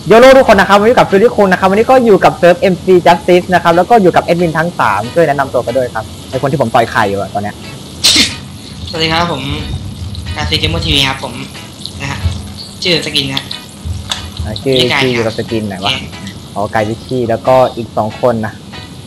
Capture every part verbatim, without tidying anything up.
โยโร่ทุกคนนะครับวันนี้กับฟิลิปคุงนะครับวันนี้ก็อยู่กับเซิร์ฟ เอ็ม ซี Justice นะครับแล้วก็อยู่กับแอดมินทั้งสามช่วยแนะนำตัวกันด้วยครับไอคนที่ผมต่อยไข่อยู่อะตอนเนี้ยสวัสดีครับผมการซีเกมเมอร์ทีวีครับผมนะฮะชื่อสกินนะชื่อชื่ออยู่กับสกินไหนวะอ๋อไกวิชี่แล้วก็อีกสองคนนะ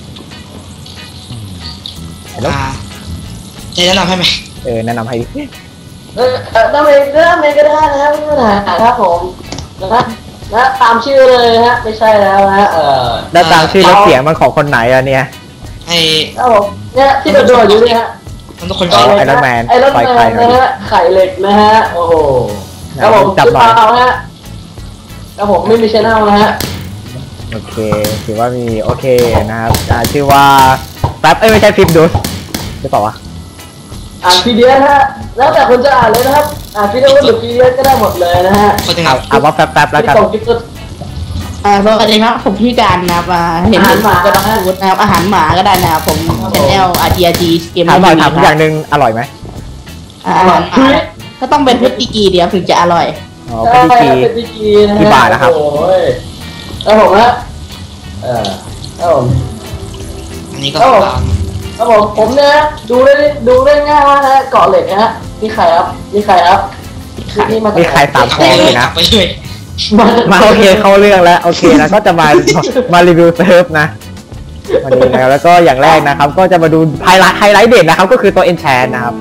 อ่าจะแนะนำให้ไหมเออแนะนำให้เออแนะนำเองแนะนำเองก็ได้นะครับไม่มีปัญหาครับผมนะนะตามชื่อเลยฮะไม่ใช่แล้วนะเออแล้วตามชื่อแล้วเสียงมันของคนไหนอะเนี่ยไอ้ครับผมเนี่ยที่โดดๆอยู่เนี่ยฮะมันทุกคนไอรอนแมนไอรอนแมนนะฮะไข่เหล็กนะฮะโอ้โหครับผมจับหน่อยฮะครับผมไม่มีชแนลนะฮะโอเคถือว่ามีโอเคนะครับชื่อว่าแป๊บเอ้ยไม่ใช่ฟิปดูหรือเปล่าวะอ่านพีเดียฮะแล้วแต่คนจะอ่านเลยนะครับอ่านพีเดียหรือพีเดียก็ได้หมดเลยนะฮะเอาเอาว่าแป๊บๆแล้วกันอ่าสวัสดีครับผมพี่การนะครับเห็นหมาก็ต้องพูดนะครับอาหารหมาก็ได้นะครับผมชแนล อาร์ ที อาร์ จี เกมถามหน่อยถามอย่างหนึ่งอร่อยไหมอาหารหมาก็ต้องเป็นเพชรตีกีเดียวถึงจะอร่อยอ๋อเพชรตีกีกี่บาทนะครับโอ้ยแล้วผมฮะเออแล้วผมอันนี้ก็ครับผมผมเนี่ยดูได้ดูได้ง่ายมากนะเกาะเหล็กนะฮะนี่ใครครับนี่ใครครับนี่มานี่ใครสามคนเลยนะมาโอเคเข้าเรื่องแล้วโอเคนะก็จะมามารีวิวเซิร์ฟนะวันนี้นะแล้วก็อย่างแรกนะครับก็จะมาดูไฮไลท์ไฮไลท์เด่นนะครับก็คือตัวเอนแชนนะครับ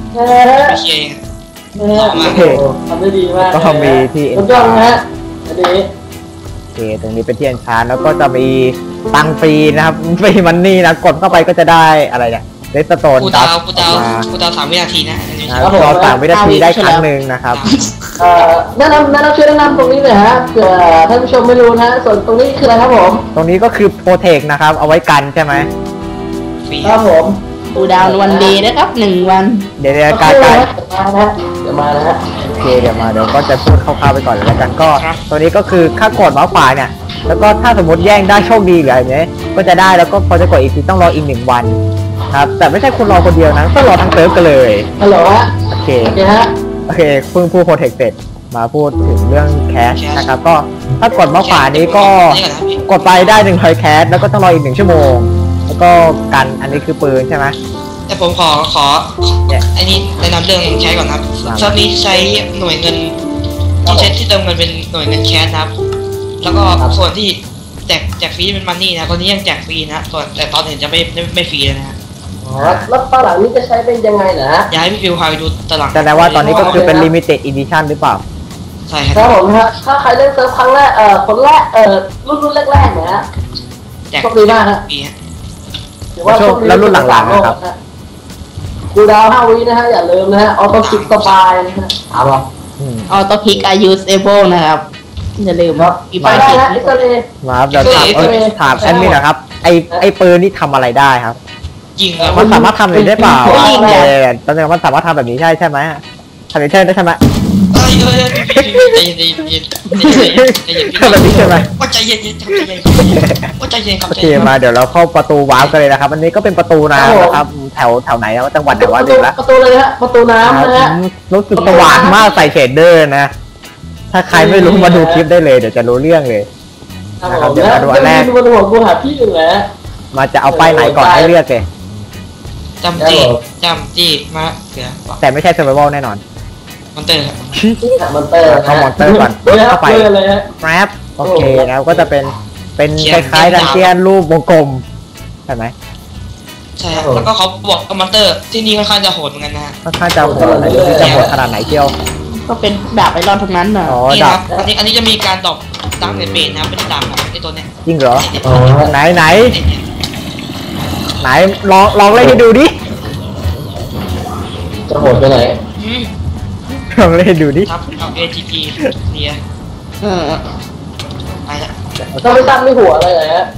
โอเคทำได้ดีมากก็มีที่เอนแชนนะฮะอันนี้โอเคตรงนี้เป็นที่เอนแชนแล้วก็จะมีตังฟรีนะครับฟรีมันนี่นะกดเข้าไปก็จะได้อะไรเนี่ยเรสโตนกูดาวกูดาวกูดาวสามวินาทีนะรอสามวินาทีได้ครั้งหนึ่งนะครับแนะนำแนะนำช่วยแนะนำตรงนี้หน่อยฮะเผื่อท่านผู้ชมไม่รู้นะส่วนตรงนี้คืออะไรครับผมตรงนี้ก็คือโปรเทคนะครับเอาไว้กันใช่ไหมครับผมกูดาววันเดย์นะครับหนึ่งวันเดี๋ยวๆการการเดี๋ยวมานะฮะโอเคเดี๋ยวมาเดี๋ยวก็จะพูดคร่าวๆไปก่อนแล้วกันก็ตัวนี้ก็คือค่ากดเมาส์ขวาเนี่ยแล้วก็ถ้าสมมติแย่งได้โชคดีหรืออะไรเนี้ยก็จะได้แล้วก็พอจะกดอีกทีต้องรออีกหนึ่งวันครับแต่ไม่ใช่คุณรอคนเดียวนะต้องรอทั้งเซิร์ฟกันเลยฮัลโหลฮะโอเคโอเคฮะโอเคเพิ่งพูดโปรเทคเสร็จมาพูดถึงเรื่องแคชนะครับก็ถ้ากดเมาส์ขวานี้ก็กดไปได้หนึ่งร้อยแคชแล้วก็ต้องรออีกหนึ่งชั่วโมงแล้วก็กันอันนี้คือปืนใช่ไหมแต่ผมขอขออันนี้แนะนำเรื่องแคชก่อนครับเซิร์ฟนี้ใช้หน่วยเงินที่ใช้ที่เติมเงินเป็นหน่วยเงินแคชครับแล้วก็ส่วนที่แจกแจกฟรีเป็นมันนี่นะตอนนี้ยังแจกฟรีนะส่วนแต่ตอนเห็นจะไม่ไม่ไม่ฟรีเลยนะอ๋อแล้วตลาดนี้จะใช้เป็นยังไงนะย้ายพี่ฟิวพาไปดูตลาดแต่ว่าตอนนี้ก็คือเป็น limited edition หรือเปล่าใช่ครับผมฮะถ้าใครเล่นเซิร์ฟครั้งแรกเอ่อคนแรกเอ่อรุ่นรุ่นแรกๆนะฮะแจกโชคดีมากฮะถือว่าแล้วรุ่นหลังๆนะครับกูดาวห้าวินะฮะอย่าลืมนะฮะออโต้คลิกสบายนะฮะเอาหรอออโต้คลิก are usable นะครับอย่าลืมครับอีไปได้นะอิสราเอลมาครับเดี๋ยวถามถามแอดมินนะครับไอไอปืนนี่ทำอะไรได้ครับยิงมันสามารถทำอะไรได้เปล่าเออตอนนี้มันสามารถทำแบบนี้ใช่ใช่ไหมทำเทิร์นได้ใช่ไหมใจเย็นใจเย็นใจเย็นทำแบบนี้ใช่ไหมว่าใจเย็นใจเย็นว่าใจเย็นครับโอเคมาเดี๋ยวเราเข้าประตูวาร์ปกันเลยนะครับอันนี้ก็เป็นประตูน้ำนะครับแถวแถวไหนนะจังหวัดไหนวะดูแล้วประตูเลยฮะประตูน้ำนะฮะรู้สึกสว่างมากใส่เชดเดอร์นะถ้าใครไม่รู้มาดูคลิปได้เลยเดี๋ยวจะรู้เรื่องเลยนะครับเดี๋ยวมาดูอันแรกมาดูหัวกูหาพี่อยู่แล้วมาจะเอาป้ายไหนก่อนให้เลือกเลยจำจีจำจีมาเสือแต่ไม่ใช่เซอร์ไววัลแน่นอนมอนเตอร์มอนเตอร์เอามอนเตอร์ก่อนเข้าไปแรปโอเคแล้วก็จะเป็นเป็นคล้ายๆดันเจียนรูปวงกลมใช่ไหมใช่แล้วก็เขาบอกมอนเตอร์ที่นี่ค่อนข้างจะโหดเหมือนกันนะค่อนข้างจะโหดจะโหดขนาดไหนเที่ยวก็เป็นแบบไอรอนทั้งนั้นน่ะนี่ครับอันนี้อันนี้จะมีการดอกดังในเบนนะเป็นดังครับไอตัวเนี้ยจริงเหรอไหนไหนไหนลองลองเล่นให้ดูดิจะโหดไปไหนลองเล่นดูดิครับเอา เอ ที พี เนี่ยเออไปละต้องไปตั้งไม่หัวอะไรเลยฮะ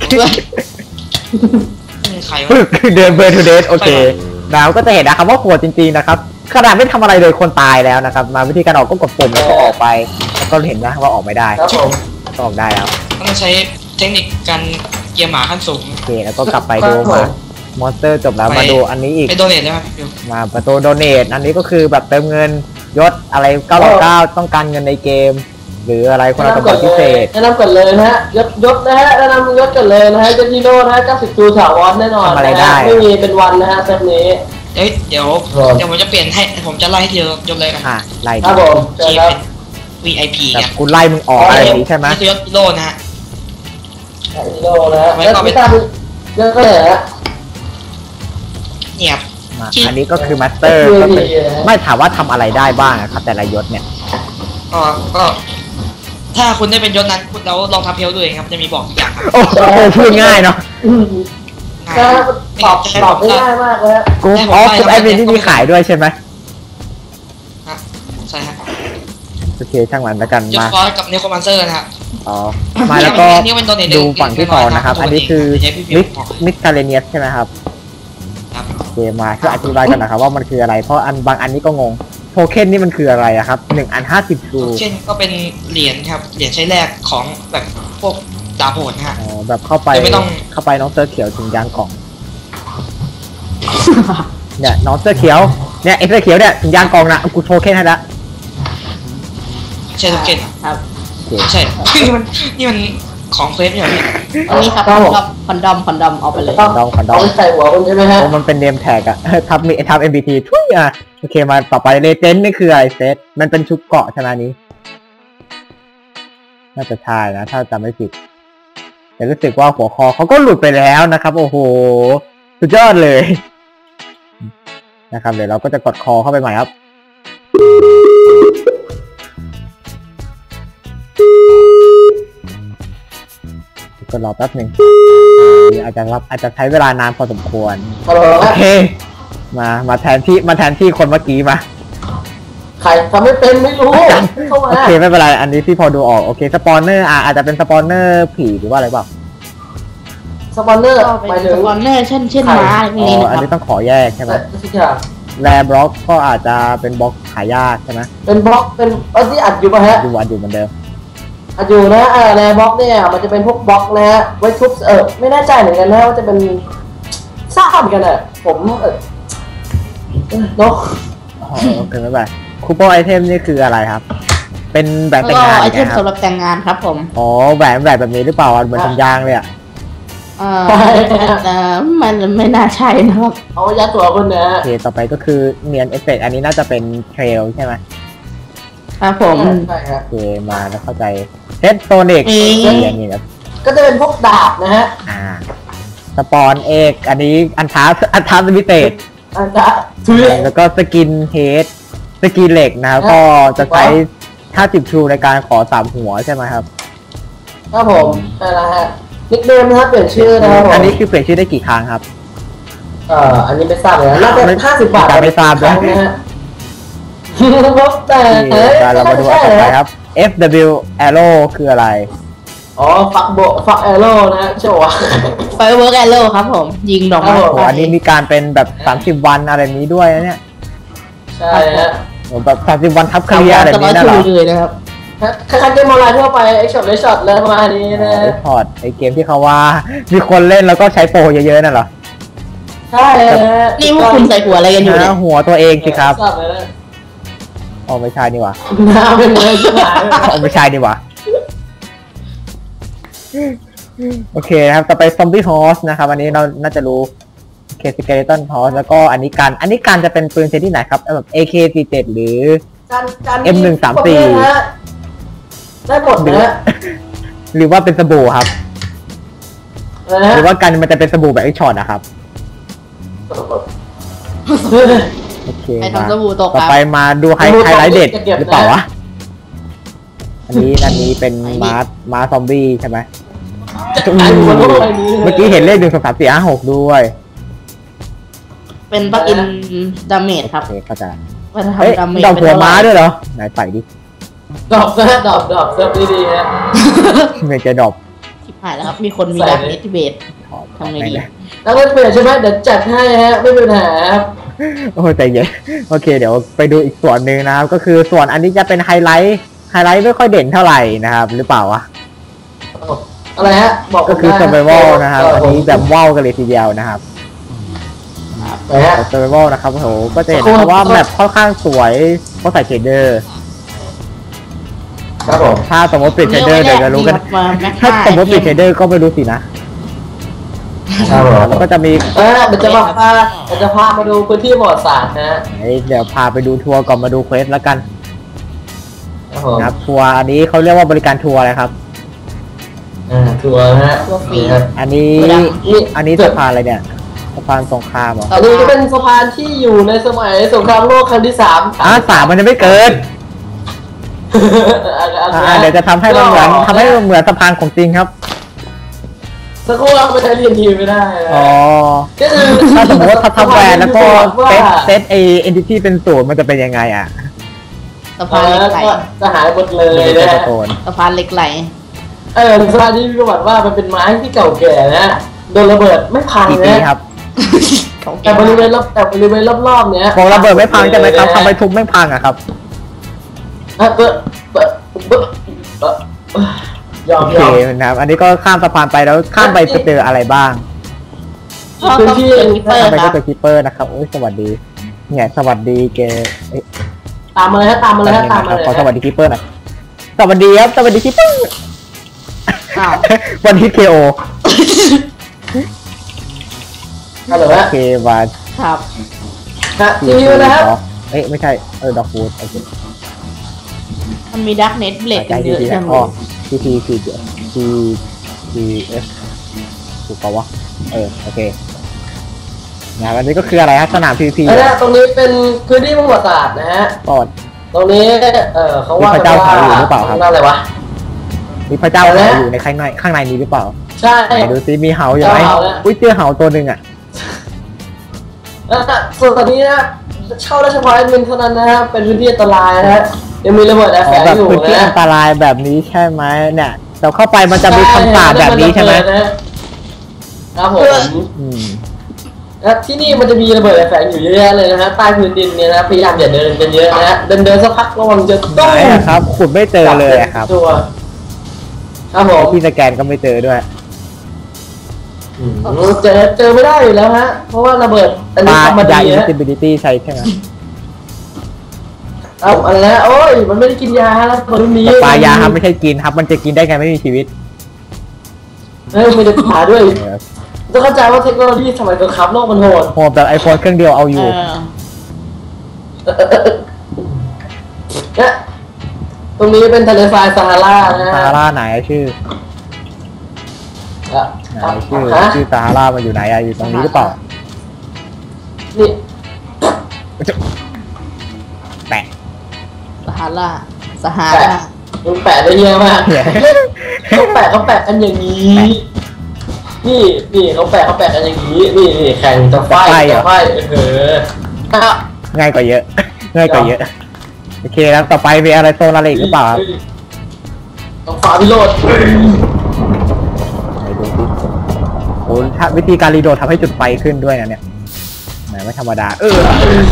ใครวะเดินเบอร์ทูเดสโอเคดาวก็จะเห็นนะครับว่าโหดจริงๆนะครับขนาดไม่ทำอะไรเลยคนตายแล้วนะครับมาวิธีการออกก็กดปุ่มแล้วก็ออกไปแล้วก็เห็นนะว่าออกไม่ได้ครับผมก็ออกได้แล้วต้องใช้เทคนิคการเกียร์หมาขั้นสูงโอเคแล้วก็กลับไปดูมามอนสเตอร์จบแล้วมาดูอันนี้อีกไปโดเนทได้ไหมมาประตูโดเนทอันนี้ก็คือแบบเติมเงินยศอะไรเก้าร้อยเก้าต้องการเงินในเกมหรืออะไรคนละสมบัติพิเศษแนะนำก่อนเลยนะฮะยศยศนะฮะแนะนำยศก่อนเลยนะฮะยศฮีโร่นะฮะเก้าสิบจูถาวรแน่นอนนะฮะไม่มีเป็นวันนะฮะเซตนี้เอ้ยเดี๋ยวเดี๋ยวผมจะเปลี่ยนให้ผมจะไล่ทีละยศเลยกันอ่ะไล่ครัดิบผมเจอที่ครับเป็น วี ไอ พีแต่ไงกูไล่มึงออกอะไรอย่างนี้ใช่ไหมนี่คือยศฮีโร่นะฮะฮีโร่นะฮะแล้วไม่ทราบยศก็เลยฮะเนี่ยมาอันนี้ก็คือมาสเตอร์ก็เป็นไม่ถามว่าทำอะไรได้บ้างอะครับแต่ละยศเนี่ยก็ก็ ถ้าคุณได้เป็นยศนั้นคุณแล้วลองทำเพลด้วยครับจะมีบอกทุกอย่างครับโอ้โหพูดง่ายเนาะก็ตอบตอบได้ง่ายมากเลยฮะกูอ๋อกูไอเป็นที่มีขายด้วยใช่ไหมฮะใช่ฮะโอเคช่างมันแล้วกันยศมาฟอสกับเนโครมันเซอร์นะครับอ๋อมาแล้วก็อันนี้เป็นตัวเด่นดูฝั่งที่สองนะครับตัวเด่นอันนี้คือใช้พี่มิพิกมพ์มิกคาเรเนียสใช่ไหมครับครับโอเคมาช่วยอธิบายกันนะครับว่ามันคืออะไรเพราะอันบางอันนี้ก็งงโทเค็นนี่มันคืออะไรอะครับหนึ่งอันห้าสิบทูเช่นก็เป็นเหรียญครับเหรียญใช้แรกของแบบพวกดาบโหดนะฮะอ๋อแบบเข้าไปคือไม่ต้องเข้าไปน้องเสื้อเขียวถึงยางกล่อง เนี่ยน้องเสื้อเขียวเนี่ยไอเสื้อเขียวเนี่ยถึงยางกล่องนะกูโทเค็นให้ละใช่ทุกเกนครับโอเคใช่ นี่มันนี่มันของเฟซไม่ใช่เหรอพี่อันนี้ครับคอนดอมคอนดอมคอนดอมเอาไปเลยขอดองขอดอเอางไปใส่หัวคุณใช่ไหมฮะโอ้มันเป็นเนมแท็กอะ ทับมีทับ เอ็ม บี ที ทุยอะโอเคมาต่อไปเลเจนด์นี่คืออะไรเซตมันเป็นชุดเกาะใช่ไหมนี้ น่าจะใช่นะ ถ้าจำไม่ผิด แต่รู้สึกว่าหัวคอเขาก็หลุดไปแล้วนะครับ โอ้โห สุดยอดเลย นะครับเดี๋ยวเราก็จะกดคอเข้าไปใหม่ครับ ก็รอแป๊บหนึ่งอาจจะรับอาจจะใช้เวลานานพอสมควรฮัลโหลโอเค มามาแทนที่มาแทนที่คนเมื่อกี้มาใครทำไม่เป็นไม่รู้เข้ามาโอเคไม่เป็นไร อันนี้พี่พอดูออก โอเค สปอนเนอร์อ่ะอาจจะเป็นสปอนเนอร์ผีหรือว่าอะไรเปล่าสปอนเนอร์ก็หมายเป็นถึสงปอนเนอร์เช่นเช่นม้าอะไรพวอ๋กนี้อนะอันครับนี้ต้องขอแยกใช่ไหมทุกอย่างแรบล็อกก็อาจจะเป็นบล็อกหายากใช่ไหมเป็นบล็อกเป็นเออที่อัดอยู่ป่ะฮะดูอันอยู่เหมือนเดิมอัดอยู่นะเออในบล็อกเนี่ยมันจะเป็นพวกบล็อกนะฮะไว้ทุบเออไม่แน่ใจเหมือนกันนะว่าจะเป็นทราบเหมือนกันอ่ะผมเออเนาะอ๋อโอเคไม่เป็นไรคูปองไอเทมนี่คืออะไรครับ เป็นแหวนแต่ก็งงานไอไงเทมครับสำหรับแต่งงานครับผมอ๋อแหวนแหวนแบบนี้หรือเปล่าเหมือนทำยางเลยอ่ะเอ่อเอ่อมันไม่น่าใช่นะครับเอายัดตัวคุณนะโอเคต่อไปก็คือเนียนเอฟเฟกอันนี้น่าจะเป็นเทรลใช่ไหมครับผมใช่ครับโอเคมาแล้วเข้าใจเฮดโตนิกมีอย่างนี้ครับก็จะเป็นพวกดาบนะฮะอ่าสปอนเอกอันนี้อันท้าอันท้าสมิเตตอันดาบถือแล้วก็สกินเฮดสกินเหล็กนะครับก็จะใช้ห้าสิบชูในการขอสามหัวใช่ไหมครับครับผมใช่แล้วฮะนิกเนมนะครับเปลี่ยนชื่อนะครับผมอันนี้คือเปลี่ยนชื่อได้กี่ครั้งครับเอ่ออันนี้ไม่ทราบเลยนะน่าจะห้าสิบบาทไม่ทราบนะนะฮะพบแต่นี่เอ้ยเรามาดูอันต่อไปครับ เอฟ ดับเบิลยู Arrow คืออะไรอ๋อฟักโบฟักแอโร่นะฮะเชื่อว่าไฟเวิร์กแอโร่ครับผม ยิงดอกไม้ครับผมโอ้อันนี้มีการเป็นแบบสามสิบวันอะไรนี้ด้วยนะเนี่ยใช่ฮะโอ้แบบสามสิบวันทับเคลียร์อะไรจะนี้ร้อยนะเหรอชูเลยนะครับคล้ายๆเกมออนไลน์ทั่วไปไอช็อตไอช็อตเลยประมาณนี้นะไอพอร์ตไอเกมที่เขาว่า มีคนเล่นแล้วก็ใช้โปรเยอะๆนั่นเหรอใช่ฮะนี่พวกคุณใส่หัวอะไรกันอยู่เนี่ยหาหัวตัวเองสิครับทราบเลยนะอ๋อไม่ใช่นี่หว่าหน้าเป็นเลยใช่ไหมอ๋อไม่ใช่นี่หว่าโอเคนะครับต่อไปซอมบี้ฮอสนะครับอันนี้เราน่าจะรู้เคสเกเลตันฮอสแล้วก็อันนี้การอันนี้การจะเป็นปืนชนิดที่ไหนครับแบบ เอ เค สี่สิบเจ็ด หรือการการเอ็มหนึ่งสามสี่ได้หมดนะฮะหรือว่าเป็นสบู่ครับนะฮะหรือว่ากันมันจะเป็นสบู่แบบไอช็อตนะครับโอเคไอ้มาทำสบู่ตกต่อครับไปมาดูไฮไฮไลท์เด็ดหรือเปล่าวะอันนี้อันนี้เป็นม้าม้าซอมบี้ใช่ไหมไอ้หัวโลกใบนี้เมื่อกี้เห็นเลขหนึ่งสองสามสี่ห้าหกด้วยเป็นปลั๊กอินดาเมจครับโอเคเข้าใจว่าจะเฮ้ยทำดาเมจดอกหัวม้าด้วยเหรอไหนใส่ดิดอกนะดอกดอกเซิร์ฟดีๆฮะเมจดอกชิบหายแล้วครับ มีคนมีดาเมจที่เบสถอดทำไงดีแล้วก็เปลี่ยนใช่ไหมเดี๋ยวจัดให้ฮะไม่มีปัญหาครับโอ้ยใจเย็นโอเคเดี๋ยวไปดูอีกส่วนหนึ่งนะครับ ก็คือส่วนอันนี้จะเป็นไฮไลท์ไฮไลท์ไม่ค่อยเด่นเท่าไหร่นะครับหรือเปล่าวะอะไรฮะบอกก็คือ survival นะครับอันนี้แบบว้าวกันเลยทีเดียวนะครับไหนฮะ survival นะครับโอ้โหก็จะเห็นนะครับว่าแมปค่อนข้างสวยเพราะใส่เชดเดอร์ครับผมถ้าสมมติปิดเชเดอร์เดี๋ยวจะรู้กันมาแม็กถ้าสมมติปิดเชเดอร์ก็ไม่รู้สินะครับผมแล้วก็จะมีเออเดี๋ยวจะมาพาเดี๋ยวจะพามาดูพื้นที่ประวัติศาสตร์นะฮะเดี๋ยวพาไปดูทัวร์ก่อนมาดูเควสแล้วกันครับผมนะครับทัวร์อันนี้เขาเรียกว่าบริการทัวร์อะไรครับอ่าทัวร์นะฮะตัวฟรีนี่ครับอันนี้นี่อันนี้สะพานอะไรเนี่ยสะพานสงครามเหรออันนี้ก็เป็นสะพานที่อยู่ในสมัยสงครามโลกครั้งที่สามอ่ะสามมันจะไม่เกินอ่าเดี๋ยวจะทำให้มันเหมือนทำให้มันเหมือนสะพานของจริงครับสักครู่เราไปใช้เรียนทีไม่ได้นะอ๋อก็คือถ้าสมมติว่าทับทับแวนแล้วก็ว่าเซตเซตไอเอนติตี้เป็นศูนย์มันจะเป็นยังไงอ่ะสะเอพานเหล็อกไหลก็จะหายหมดเลมันยจะเป็นนะตะโกนสะพานเหล็กไหลเออสะพานที่มีประวัติว่ามันเป็นไม้ที่เก่าแก่นะโดนระเบิดไม่พังกี่ปีนะครับ แต่บริเวณรอบแต่บริเวณรอบๆเนี้ยพอระเบิดไม่พังใช่ไหมครับทำไมทุบไม่พังอะครับอ่ะเบอะเบอะเบอะเบอะยอโอมเคยอมนะครับอันนี้ก็ข้ามสะพานไปแล้วข้ามไปจะเจออะไรบ้างก็ต้องเจอคิปเปอร์ข้ามไปคก็รับเจอคิปเปอร์นะครับโอ้ยสวัสดีเนี่ยสวัสดีเกเอ้ยตามมาเลยฮะตามมาเลยฮะตามมาครับเลยขอสวัสดีคิปเปอร์หน่อยสวัสดีครับสวัสดีคิปเปอร์อ้าววันฮิตเคโอฮัลโหลโอฮะเควันครับฮะทีวีนะครับเอ้ยไม่ใช่เออดอกฟูดโอเคมันมีดักเน็ตเบลดใจกันเยดีอะๆจันะงเลอ๋อย ทีทีทีทีทีเอสถูกปะวะเออโอเคนะวันนี้ก็คืออะไรฮะสนามพีพีอันนี้ตรงนี้เป็นพื้นที่ประวัติศาสตร์นะฮะก่อนตรงนี้เออเขาว่ามีพระเจ้าเผาอยู่หรือเปล่าครับนั่นอะไรวะมีพระเจ้าอะไรเหานะอยู่ในข้างในข้างในนี้หรือเปล่าใช่ไหนดูซิมีเหาอยู่ไหมเจ้าเหาแล้วอุ้ยเจอเหาตัวหนึ่งอ่ะแล้วส่วนตอนนี้นะเช่าได้เฉพาะแอดมินเท่านั้นนะฮะเป็นพื้นที่อันตรายนะฮะยังมีระเบิดแอร์อ๋แฝอง แบบอยู่พื้นที่นะอันตรายแบบนี้ใช่ไหมเนี่ยเราเข้าไปมันจะมีคำสาปแบบนี้ใช่ไหมครับผมอืมนะที่นี่มันจะมีระเบิดแอร์แฝงอยู่เยอะแยะเลยนะฮะใต้พื้นดินเนี่ยนะพยายามอย่าเดินกันเยอะนะฮะเดินเดินสักพักระวังจะไหนอะครับขุดไม่เจอเลยอะครับตัวครับผมที่สแกนก็ไม่เจอด้วยเจอเจอไม่ได้อยู่แล้วฮะ เพราะว่าระเบิดอันปนี้ลาทำมาดียาฮะ invisibility ใช่ใช่ไหมเอาอะไรนะโอ้ยมันไม่ได้กินยาฮะแล้วคนนี้แต่ปลายาครับไม่ใช่กินครับ มันจะกินได้ไงไม่มีชีวิตเฮ้ยไม่ได้ผ่าด้วยเออต้องเข้าใจว่าเทคโนโลยีสมัยสงครามโลกมันโหดโหดแบบไอโฟนเครื่องเดียวเอาอเอยู่ อเนี่ยตรงนี้เป็นทะเลทรายซาฮารานะซาฮะฮาราไหนชื่ออ่ะไหนชื่อฮะชื่อซาฮารามันอยู่ไหนอะอยู่ตรงนี้หรือเปล่านี่แปะสหาราสหาแปะรามันแปะได้เยอะมากเนี่ยเขาแปะเขาแปะกันอย่างนี้ นี่นี่เขาแปะเขาแปะกันอย่างนี้ นี่นี่แข่งจะไฟจะไฟเอออ่ะง่ายกว่าเยอะ ง่ายกว่าเยอะ โอเคแล้วต่อไปมีอะไรโซนอะไรอีกหรือเปล่าครับต้องฝ่าพิโรธไหนดูสิโอ้ถ้าวิธีการรีโดดทำให้จุดไฟขึ้นด้วยนะเนี่ยแหมไม่ธรรมดา เออ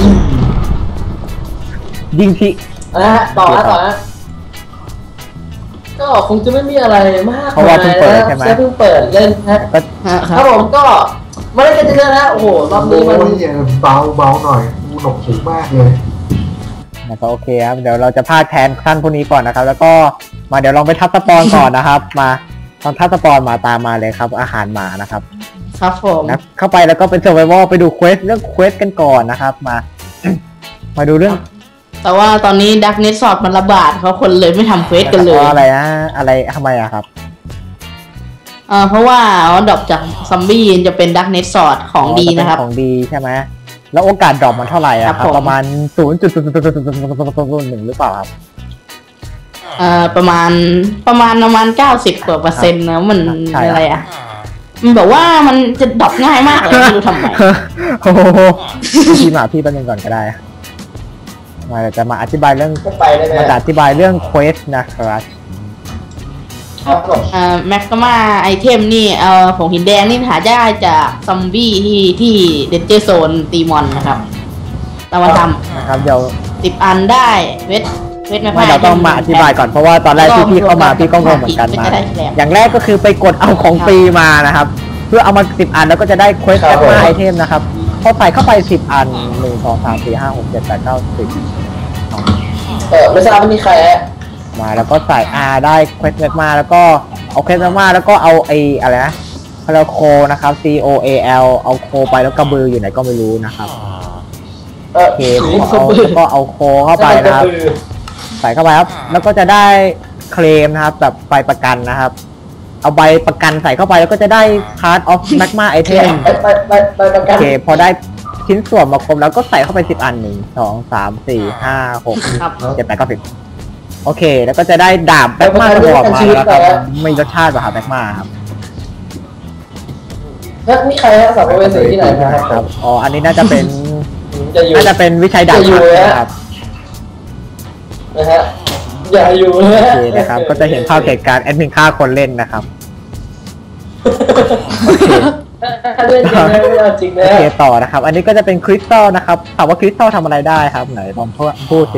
ยิงทีนะฮะต่อนะต่อนะก็คงจะไม่มีอะไรมากเพราะว่าเพิ่งเปิดใช่ไหมแค่เพิ่งเปิดเล่นนะก็ฮะคครัรับบผมก็ไม่ได้กันเยอะนะโอ้โหรอบนี้มันโอ้ยเบาเบาหน่อยกูหนกหูมากเลยนะครับโอเคครับเดี๋ยวเราจะพาดแทนท่านพวกนี้ก่อนนะครับ แล้วก็มาเดี๋ยวลองไปทับสปอนก่อนนะครับ มาตอนทับสปอนมาตามมาเลยครับ อาหารหมานะครับครับผมนะเข้าไปแล้วก็เป็นเซอร์ไววไปดูเควสเรื่องเควสกันก่อนนะครับ มา มาดูเรื่องแต่ว่าตอนนี้ดักเน็ตสอดมันระบาดเขาคนเลยไม่ทำเควสกันเลยพราะอะไรนะอะไรทำไมอะครับเอ่อเพราะว่าดรอปจากซอมบี้จะเป็นดักเน็ตสอดของดีนะครับของดีใช่ไหมแล้วโอกาสดรอปมันเท่าไหร่อะคครัรับบผมประมาณศูนย์จุดศูนย์ศูนย์ศูนย์ศูนย์ศูนย์หนึ่งหรือเปล่าครับเอ่อประมาณประมาณประมาณเก้าสิบกว่าเปอร์เซ็นต์นะมันใช่ครับอะไรอ่ะมันบอกว่ามันจะดรอปง่ายมากเลยไม่รู้ทำไมโอ้โหพี่มาพี่แป๊บนึงก่อนก็ได้ มาเดี๋ยวจะมาอธิบายเรื่องก็ไปได้ไหมมาจะอธิบายเรื่องเควสนะครับครับผมเอ่อแม็กกามาไอเทมนี่เอ่อผงหินแดงนี่หาได้จากซอมบี้ที่ที่เดนเจอร์โซนตีมอนนะครับเรามาทนะครับเดี๋ยวำสิบอันได้เวทเวทไม่ไม่เราต้องมาอธิบายก่อนเพราะว่าตอนแรกที่พี่เข้ามาพี่ก็งงเหมือนกันมา อย่างแรกก็คือไปกดเอาของฟรีมานะครับ เพื่อเอามาสิบอันแล้วก็จะได้เควสแอปมาไอเทมนะครับพอใส่เข้าไปสิบอันหนึ่งสองสามสี่ห้าหกเจ็ดแปดเก้าสิบเออไม่ทราบว่ามีใครฮะมาแล้วก็ใส่ R ได้เควสแมกมาแล้วก็เอาเควสแมกมาแล้วก็เอาไออะไรนะคาราโคนะครับ C O A L เอาโคไปแล้วกระบืออยู่ไหนก็ไม่รู้นะครับเออโอเคผมเอาแล้วก็เอาโคเข้าไปนะครับใส่เข้าไปครับแล้วก็จะได้เคลมนะครับแบบใบประกันนะครับเอาใบประกันใส่เข้าไปแล้วก็จะได้ Part of Magma Item ไปไปไปไปประกัโอน เคพอได้ชิ้นส่วนมาครบแล้วก็ใส่เข้าไปสิบอันหนึ่งสองสามสี่ห้าหกครับเจ็ดแปดเก้าสิบโอเคแล้วก็จะได้ดาบแบ็กมาตัวออกมาแล้วครับไม่รสชาติแบบแบ็กมาครับแล้วนี่ใครฮะสัมภเวสีที่ไหนมาคครัรับบอ๋ออันนี้น่าจะเป็นจะอยู่น่าจะเป็นวิชัยดาบจะอยู่เลยฮะนะครับนะฮะอย่าอยู่นะโอฮะเคนะครับก็จะเห็นภาพเหตุการณ์แอดมินฆ่าคนเล่นนะครับเล่นจริงนะไม่เอาจริงโอนะเคต่อนะครับ อันนี้ก็จะเป็นคริสตัลนะครับถามว่าคริสตัลทำอะไรได้ครับไหนลองพูดสิ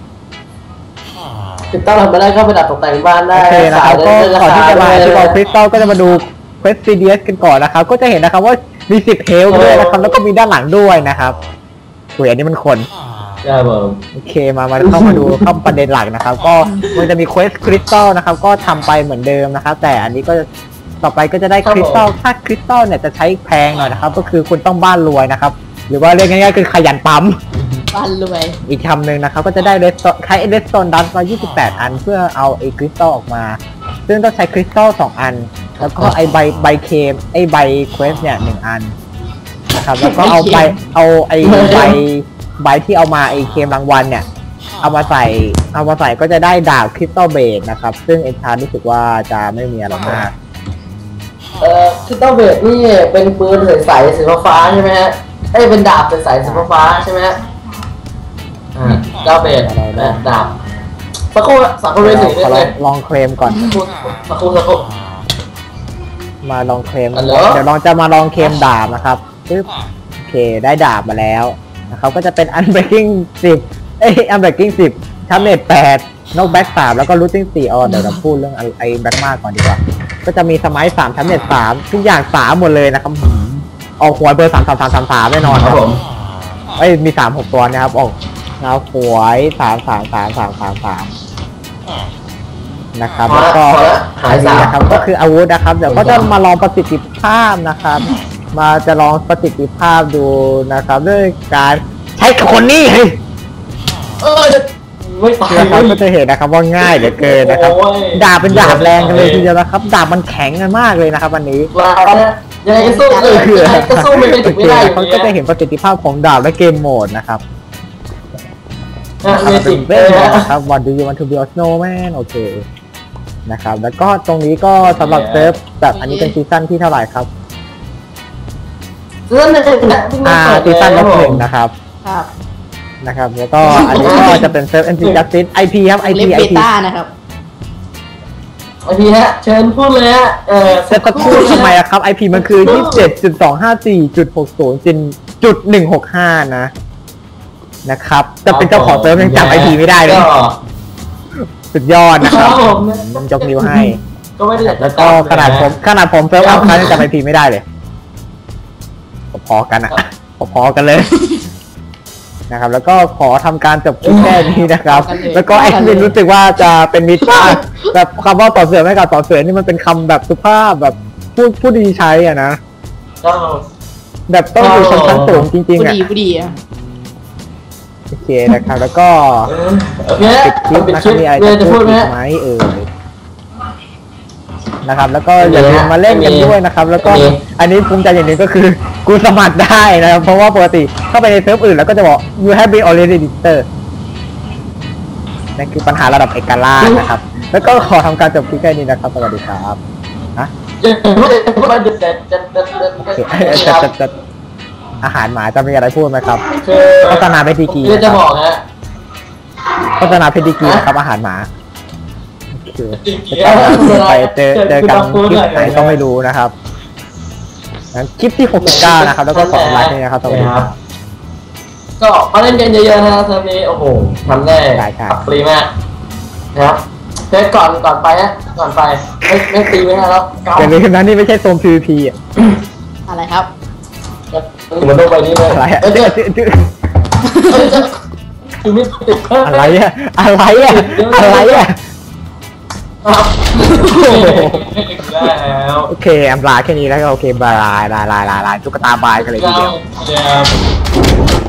ติดตั้งทำมาได้ก็ไปดัดตกแต่งบ้านได้โอเคนะครับก็ก่อนที่จะมาที่บอกคริสตัลก็จะมาดูเควสซีเดียสกันก่อนนะครับก็จะเห็นนะครับว่ามีสิบเฮลด้วยนะครับแล้วก็มีด้านหลังด้วยนะครับสวยอันนี้มันคนครับผมโอเคมามาเข้ามาดูเข้าประเด็นหลักนะครับ ก็มันจะมีเควสคริสตัลนะครับก็ทำไปเหมือนเดิมนะครับแต่อันนี้ก็ต่อไปก็จะได้คริสตัลถ้าคริสตัลเนี่ยจะใช้แพงหน่อยนะครับก็คือคุณต้องบ้านรวยนะครับหรือว่าเรียกง่ายๆคือขยันปั๊มบ้านรวยอีกคำหนึ่งนะครับก็จะได้เรสโตใช้เรสโตนดัสมายี่สิบแปดอันเพื่อเอาไอ้คริสตัลออกมาซึ่งต้องใช้คริสตัลสองอันแล้วก็ไอ้ใบใบเคมไอ้ใบเควสเนี่ยหนึ่งอันนะครับแล้วก็เอาใบเอาไอ้ใบใบที่เอามาไอ้เคมรางวัลเนี่ยเอามาใส่เอามาใส่ก็จะได้ดาบคริสตัลเบดนะครับซึ่งเอ็นชาร์รู้สึกว่าจะไม่มีอะไรมากเอ่อคือต้องเบดนี่เป็นปืนใสๆสีฟ้าๆใช่ไหมฮะเอ้ยเป็นดาบใสๆสีฟ้าๆใช่ไหมฮะอ่าดาบเบดนะดาบสักครู่สักครู่เลยสิขอลเลอย งลองเคลมก่อนสักครู่สักครู่มาลองเคลมฮัลโหลเดี๋ยวลองจะมาลองเคลมดาบนะครับปึ๊บโอเคได้ดาบมาแล้วนะครับก็จะเป็น unbreaking สิบเอ้ย unbreaking สิบชัมเนตแปดนกแบ็กสามแล้วก็ looting สี่อ๋อเดี๋ยวเราพูดเรื่องไอ้แบ็กมากก่อนดีกว่าก็จะมีสมัยสามชัมเนตสามทุกอย่างสามหมดเลยนะครับออกหวยเบอร์สามสามสามสามสามแน่นอนคครัรับบ ผมเอ้ยมีสามหกตัวนะครับออกนะครับหวยสามสามสามสามสามสามนะครับแล้วก็พอละหายสาอันมนี้นะครับก็คืออาวุธนะครับเดี๋ยวก็จะมาลองประสิทธิภาพนะครับ มาจะลองประสิทธิภาพดูนะครับด้วยการใช้คนนี้เฮ้ยเออไม่ตายนะครับก็จะเห็นนะครับว่าง่ายเหลือเกินนะครับโอ้ยดาบเป็นดาบแรงกันเลยทีเดียวนะครับดาบมันแข็งกันมากเลยนะครับวันนี้ว้าวนะยังไงก็สู้เลยคือยังไงก็สู้ไม่ได้ถึงไม่ได้อยู่เขาดีก็จะเห็นประสิทธิภาพของดาบและเกมโหมดนะครับนะเมจิกเวเลยทนะนะครับ What do you want to be a snowman โอเคนะครับแล้วก็ตรงนี้ก็สำหรับเซิร์ฟแบบอันนี้เป็นซีซั่นที่เท่าไหร่ครับเรื่องหนึ่งนะที่อ่าเปิดซีซั่นลบหนึ่งนะนะครับครับนะครับแล้วก็อันนี้ก็จะเป็นเซิร์ฟ เอ็น ซี Justice ไอ พี ครับ ไอเล่พีนไอเบพีต้านะครับไอพีฮะเชิญพูดเลยฮะเออเซิร์ฟตะคู่ทำไมอะครับ ไอ พี มันคือ ยี่สิบเจ็ดจุดสองห้าสี่จุดหกศูนย์จุดหนึ่งหกห้า นะนะครับจะเป็นเจ้าของเซิร์ฟยังจำ ไอ พี ไม่ได้เลยก็สุดยอดนะครับครับผมยกนิ้วให้ก็ไม่ได้อยากจะแล้วก็ขนาดผมขนาดผมเซิร์ฟอัพครั้งยังจำ ไอ พี ไม่ได้เลยพอๆกันอะพอๆกันเลยนะครับแล้วก็ขอทำการจบคลิปแค่นี้นะครับ แล้วก็แอดมินรู้สึกว่าจะเป็นมิตรมากแบบคำว่าต่อเสือไม่กับต่อเสือนี่มันเป็นคำแบบสุภาพแบบพูดพูดดีใช้อ่ะนะก็แบบต้องอยู่ชนชั้นสูงจริงผู้ๆอ่ะดีผู้ดีอ่ะโอเคนะครับแล้วก็โอเคปิดคลิปปิดนะคครัลิบปมีอะไรเรียจะนจะพูพูดดไหมอีกไหมเออนะครับแล้วก็อย่าลืมมาเล่นกันด้วยนะครับ แล้วก็อันนี้ภูมิใจอย่างหนึ่งก็คือกูสมัครได้นะครับเพราะว่าปกติเข้าไปในเซิร์ฟอื่นแล้วก็จะบอก you have been already registered นั่นคือปัญหาระดับเอกราชนะครับ แล้วก็ขอทำการจบคลิปแค่นี้นะครับสวัสดีครับนะจะพูดจะจะจะจะจะโอเคจะจะจะอาหารหมาจะมีอะไรพูดไหมครับคือโฆษณาเพชรดีกรีคือจะบอกฮะโฆษณาเพชรดีกรีนะครับอาหารหมาโอเคจริงไปเจอเจอกันคลิปไหนก็ไม่รู้นะครับงั้นคลิปที่หกสิบเก้านะครับ แล้วก็ขอไลค์ด้วยนะครับสวัสดีครับก็มาเล่นกันเยอะๆนะเทอมนี้โอ้โหทำได้ใช่ใช่ปรีมากนะครับเทสก่อนก่อนไปฮะก่อนไปไม่ไม่ตีไม่ได้แล้วเก้าอย่าลืมนะนี่ไม่ใช่โซน พี วี พี อ่ะอะไรครับมันต้องไปนี่เลยอะไรอ่ะเอ้ยเดี๋ยวคือไม่ติดอะไรอ่ะอะไรอ่ะอะไรอ่ะครับได้แล้วโอเคอำลาแค่นี้แล้วก็โอเคบายบายบายบายบายตุ๊กตาบายกันเลยทีเดียวเดี๋ยว